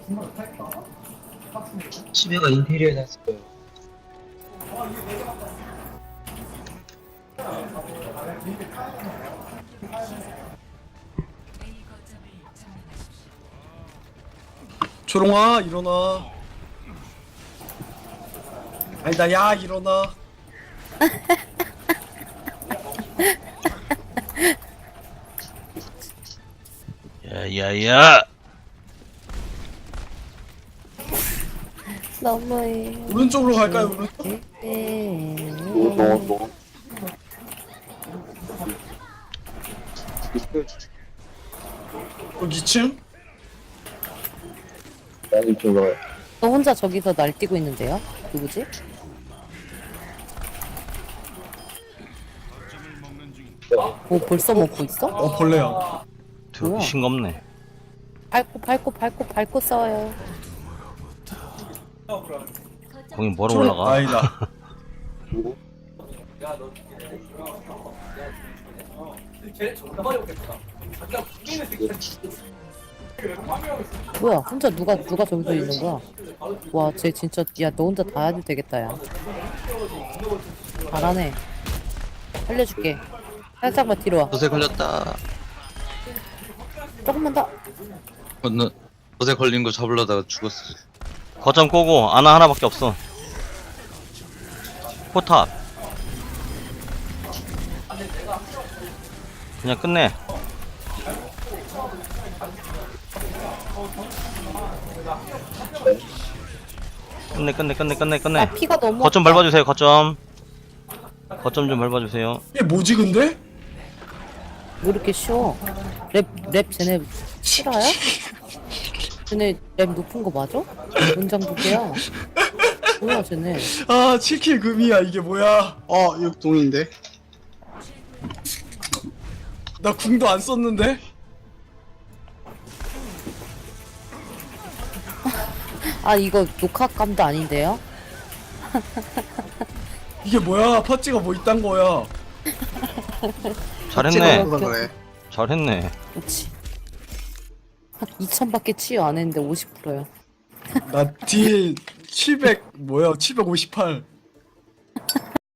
집에가 인테리어 해놨어요. 조롱아 일어나. 아니다 야 일어나. 야야야. 너무해. 오른쪽으로 갈까요 오른쪽? 너. 여기 2층? 나는 이쪽으로 가요. 너 혼자 저기서 날뛰고 있는데요? 누구지? 오 벌써 먹고 있어? 벌레야. 뭐야? 싱겁네. 밟고 싸워요. 거기 뭐로 초록 올라가? 아니다. 뭐야? 혼자 누가 저기서 있는 거야? 와, 쟤 진짜 야 너 혼자 다 해도 되겠다 야. 잘하네. 살려줄게. 살짝만 뒤로 와. 덫에 걸렸다. 조금만 더. 너 덫에 걸린 거 잡으려다가 죽었어. 거점 꼬고 아나 하나밖에 없어. 포탑. 그냥 끝내. 끝내. 아 피가 너무. 거점 밟아주세요. 거점 좀 밟아주세요. 이게 뭐지 근데? 왜 이렇게 쉬워? 랩 쟤네 실화야? 쟤네 랩 높은 거 맞아? 원장 부대야. 뭐야 쟤네? 아 7킬 금이야 이게 뭐야? 육동인데? 나 궁도 안 썼는데? 아 이거 녹화감도 아닌데요? 이게 뭐야? 파츠가 뭐 있단 거야? 잘했네. 그래. 잘했네. 그렇지. 2000밖에 치유 안 했는데 50%야. 나 딜 700 뭐야? 758.